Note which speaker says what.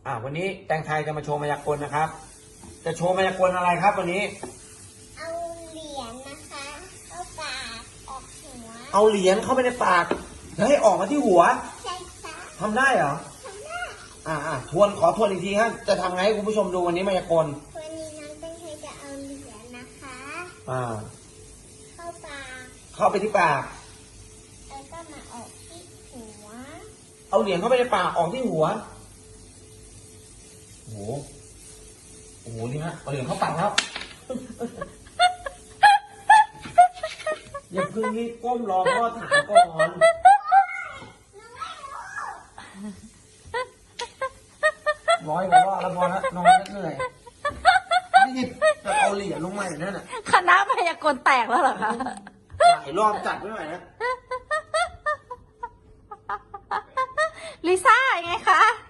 Speaker 1: วันนี้แตงไทยจะมาโชว์มายากลนะครับจะโชว์มายากลอะไรครับวันนี้
Speaker 2: เอาเหรียญนะคะเข้าปากออกหัว
Speaker 1: เอาเหรียญเข้าไปในปากแล้วให้ออกมาที่หัว
Speaker 2: ใช่ค่ะ
Speaker 1: ทำได้เหรอ
Speaker 2: ทำได้
Speaker 1: ขอทวนอีกทีครับจะทำไงให้คุณผู้ชมดูวันนี้มายากล
Speaker 2: วันนี้น้องแตงไทยจะเอาเหรียญนะคะเข้าปาก
Speaker 1: เข้าไปที่ปาก
Speaker 2: แล้วก็มาออกที่หัว
Speaker 1: เอาเหรียญเข้าไปในปากออกที่หัวโอ้โหนี่ฮะเอาเหรียญเข้าปากแล้วอย่าเพิ่งรีบก้มรอพ่อถามก่อนร้อยกว่าว่าแล้วพอแล้วนอนเหนื่อยนี่จะเอาเหรียญลงมาอย่างนั้นน่ะ
Speaker 3: คณะพยากรณ์แตกแล้วเหรอคะ
Speaker 1: หลายรอบจัดไม่ไหวนะ
Speaker 3: ลิซ่ายังไงคะ